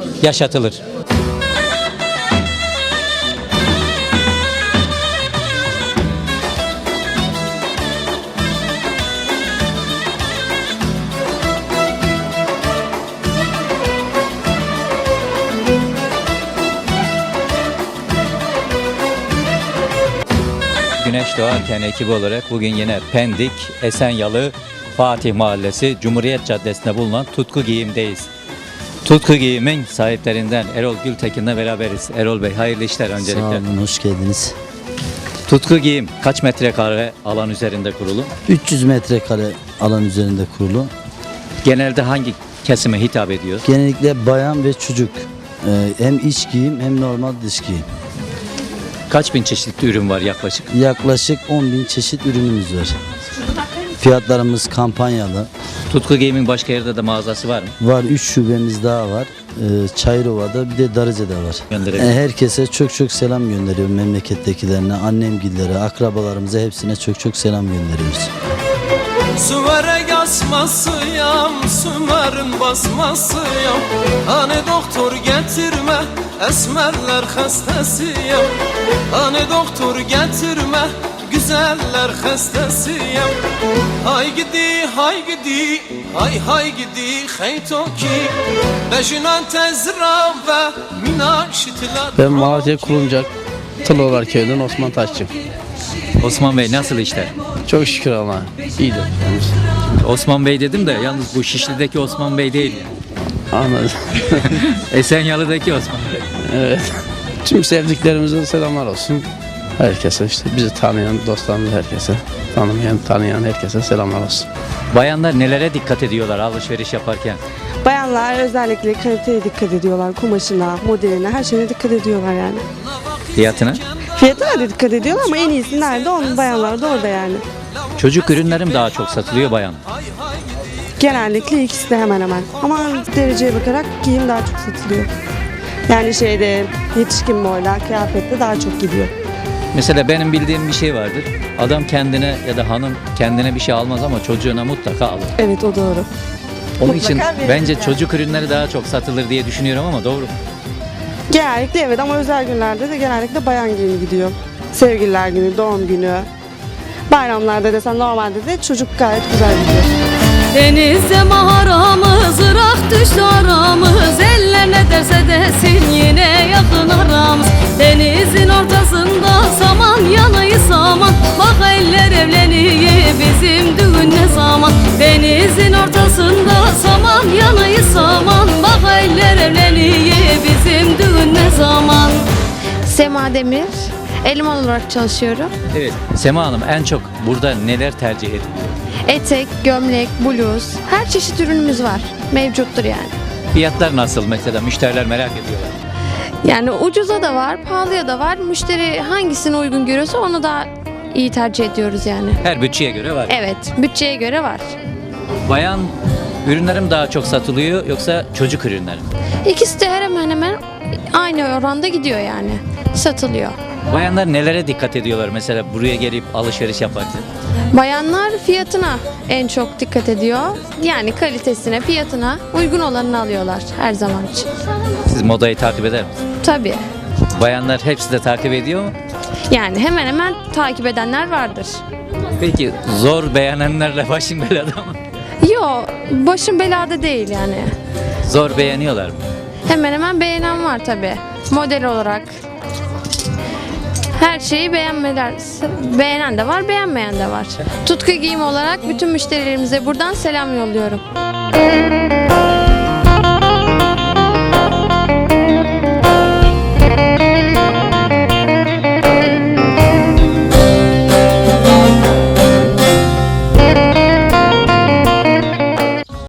yaşatılır. Güneş Doğarken ekibi olarak bugün yine Pendik, Esenyalı, Fatih Mahallesi, Cumhuriyet Caddesi'nde bulunan Tutku Giyim'deyiz. Tutku Giyim'in sahiplerinden Erol Gültekin'le beraberiz. Erol Bey, hayırlı işler öncelikle. Sağ olun, hoş geldiniz. Tutku Giyim kaç metrekare alan üzerinde kurulu? 300 metrekare alan üzerinde kurulu. Genelde hangi kesime hitap ediyor? Genellikle bayan ve çocuk. Hem iç giyim hem normal dış giyim. Kaç bin çeşitli ürün var yaklaşık? Yaklaşık 10.000 çeşit ürünümüz var. Fiyatlarımız kampanyalı. Tutku Giyim'in başka yerde de mağazası var mı? Var, 3 şubemiz daha var. Çayırova'da, bir de Darıca'da var. Gönderelim. Herkese çok selam gönderiyorum, memlekettekilerine, annemgillere, akrabalarımıza, hepsine çok selam gönderiyoruz. Sümer'e gasmasıyam, Sümer'in basmasıyam. Hani doktor getirme, esmerler hastasıyam. Hani doktor getirme, güzeller hastasıyam. Hay gidi, hay gidi, hay gidi, hey toki. Bejinan tezra ve minaşitler. Ben Malatya Kulumcak Tılıoğlar köyünden Osman Taşçı. Osman Bey, nasıl işler? Çok şükür Allah'a. İyidir. Osman Bey dedim de yalnız bu Şişli'deki Osman Bey değil. Anladım. Esenyalı'daki Osman Bey. Evet. Tüm sevdiklerimize selamlar olsun. Herkese, işte bizi tanıyan dostlarımız herkese, tanıyan herkese selamlar olsun. Bayanlar nelere dikkat ediyorlar alışveriş yaparken? Bayanlar özellikle kaliteye dikkat ediyorlar, kumaşına, modeline, her şeyine dikkat ediyorlar yani. Fiyatına? Fiyatına da dikkat ediyorlar ama en iyisi nerede? Onun bayanlar da orada yani. Çocuk ürünlerim daha çok satılıyor bayan. Genellikle ikisi de hemen hemen. Ama dereceye bakarak giyim daha çok satılıyor. Yani yetişkin boyla, kıyafette daha çok gidiyor. Mesela benim bildiğim bir şey vardır. Adam kendine ya da hanım kendine bir şey almaz ama çocuğuna mutlaka alır. Evet, o doğru. Onun Mutlaka için verir bence yani. çocuk ürünleri daha çok satılır diye düşünüyorum ama doğru mu? Genellikle evet ama özel günlerde de genellikle bayan giyimi gidiyor. Sevgililer günü, doğum günü, bayramlarda desen normalde de çocuk gayet güzel gidiyor. Denizde maharamız, Irak düştü aramız. Eller ne derse desin yine yakın aramız. Denizin ortasında saman yanayı saman. Bak eller evleniyor bizim düğün ne zaman. Denizin ortasında saman yanayı saman. Bak eller evleniyor bizim düğün ne zaman. Sema Demir, eleman olarak çalışıyorum. Evet. Sema Hanım, en çok burada neler tercih ediyor? Etek, gömlek, bluz, her çeşit ürünümüz var. Mevcuttur yani. Fiyatlar nasıl mesela? Müşteriler merak ediyorlar. Yani ucuza da var, pahalıya da var. Müşteri hangisini uygun görüyorsa onu da iyi tercih ediyoruz yani. Her bütçeye göre var. Evet, bütçeye göre var. Bayan ürünlerim daha çok satılıyor yoksa çocuk ürünleri mi? İkisi de hemen aynı oranda gidiyor yani. Satılıyor. Bayanlar nelere dikkat ediyorlar mesela buraya gelip alışveriş yaparken? Bayanlar fiyatına en çok dikkat ediyor. Yani kalitesine, fiyatına uygun olanını alıyorlar her zaman için. Siz modayı takip eder misiniz? Tabii. Bayanlar hepsi de takip ediyor mu? Yani hemen takip edenler vardır. Peki zor beğenenlerle başın belada mı? Yo, başım belada değil yani. Zor beğeniyorlar mı? Hemen beğenen var tabii. Model olarak. Her şeyi beğenen de var, beğenmeyen de var. Tutku Giyim olarak bütün müşterilerimize buradan selam yolluyorum.